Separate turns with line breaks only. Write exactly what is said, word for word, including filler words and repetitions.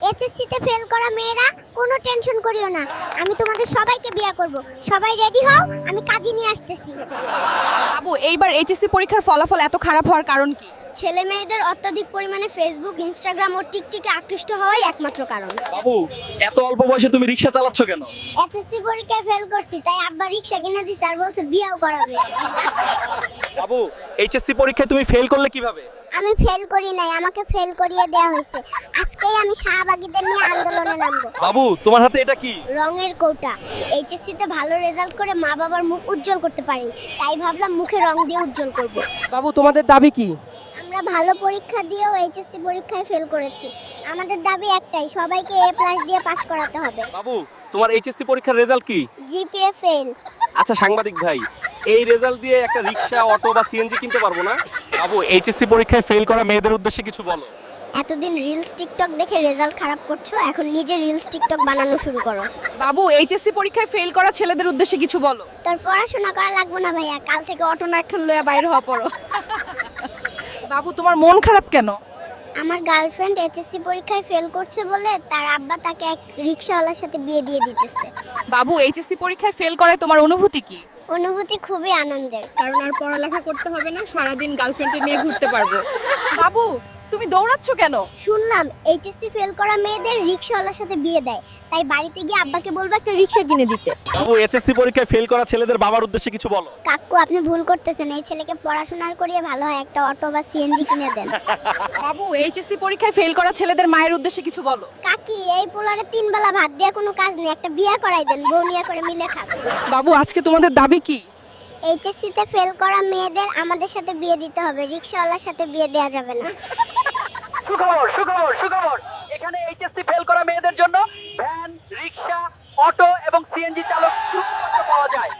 HSC তে fail করা মেয়েরা কোনো টেনশন করিও না, আমি তোমাদের সবাইকে বিয়ে করব। সবাই রেডি হও, আমি কাজী নিয়ে আসতেছি।
বাবু এইবার এইচএসসি পরীক্ষার ফলাফল এত খারাপ হওয়ার কারণ কি?
ছেলে মেয়েদের অত্যাধিক পরিমাণে ফেসবুক, ইনস্টাগ্রাম ও টিকটকে আকৃষ্ট হওয়াই একমাত্র কারণ।
বাবু এত অল্প বয়সে তুমি রিকশা চালাচ্ছ কেন?
এইচএসসি পরীক্ষায় ফেল করছি, তাই আব্বা রিকশা কিনে দিছে আর বলছে বিয়েও করাবে।
বাবু এইচএসসি পরীক্ষায় তুমি ফেল করলে কিভাবে?
আমি ফেল করি নাই, আমাকে ফেল করিয়ে দেওয়া হয়েছে। আজকেই আমি শাহবাগীদের নিয়ে আন্দোলনে নামবো।
বাবু তোমার হাতে এটা কি?
রঙের কৌটা। এইচএসসি তে ভালো রেজাল্ট করে মা বাবার মুখ উজ্জ্বল করতে পারি, তাই ভাবলাম মুখে রং দিয়ে উজ্জ্বল করব।
বাবু তোমাদের দাবি কি?
আমরা ভালো পরীক্ষা দিয়েও এইচএসসি পরীক্ষায় ফেল করেছি। আমাদের দাবি একটাই, সবাইকে এ প্লাস দিয়ে পাশ করাতে হবে।
বাবু তোমার এইচএসসি পরীক্ষার রেজাল্ট কি?
GPA fail.
আচ্ছা সাংবাদিক ভাই, এই রেজাল্ট দিয়ে একটা রিকশা, অটো বা সিএনজি কিনতে পারবো না? বাবু এইচএসসি পরীক্ষায় ফেল করা মেয়েদের উদ্দেশ্যে কিছু বলো।
এতদিন রিলস টিকটক দেখে রেজাল্ট খারাপ করছো, এখন নিজে রিলস টিকটক বানানো শুরু করো।
বাবু এইচএসসি পরীক্ষায় ফেল করা ছেলেদের উদ্দেশ্যে কিছু বলো।
তোর পড়াশোনা করা লাগবে না ভাইয়া, কাল থেকে অটো
অটো না একখান লইয়া বাইরে হওয়া পড়ো। বাবু তোমার মন খারাপ কেন?
আমার গার্লফ্রেন্ড এইচএসসি পরীক্ষায় ফেল করছে বলে তার আব্বা তাকে এক রিকশাওয়ালার সাথে বিয়ে দিয়ে দিতেছে।
বাবু এইচএসসি পরীক্ষায় ফেল করায় তোমার অনুভূতি কি?
অনুভূতি খুবই আনন্দের।
কারণ আর পড়ালেখা করতে হবে না, সারাদিন গার্লফ্রেন্ডে নিয়ে ঘুরতে পারবো। বাবু তুমি দৌড়াচ্ছ কেন?
শুনলাম এইচএসসি ফেল করা মেয়েদের রিকশাওয়ালার সাথে বিয়ে দেয়, তাই বাড়িতে গিয়ে আব্বাকে বলবো একটা রিকশা কিনে দিতে।
বাবু এইচএসসি পরীক্ষায় ফেল করা ছেলেদের বাবার উদ্দেশ্যে কিছু বলো।
কাকু আপনি ভুল করতেছেন, এই ছেলেকে পড়াশোনার করিয়ে ভালো হয় একটা অটো বা সিএনজি কিনে দেন।
বাবু এইচএসসি পরীক্ষায় ফেল করা ছেলেদের মায়ের উদ্দেশ্যে কিছু বলো।
কাকি এই পোলারে তিন বেলা ভাত দিয়ে কোনো কাজ নেই, একটা বিয়ে করাই দেন, বউ নিয়ে করে মিলে খাক।
বাবু আজকে তোমাদের দাবি কি?
এইচএসসি তে ফেল করা মেয়েদের আমাদের সাথে বিয়ে দিতে হবে, রিকশাওয়ালার সাথে বিয়ে দেওয়া যাবে না।
সুখবর সুখবর সুখবর, এখানে এইচএসসি ফেল করা মেয়েদের জন্য ভ্যান, রিকশা, অটো এবং সিএনজি চালক পাওয়া যায়।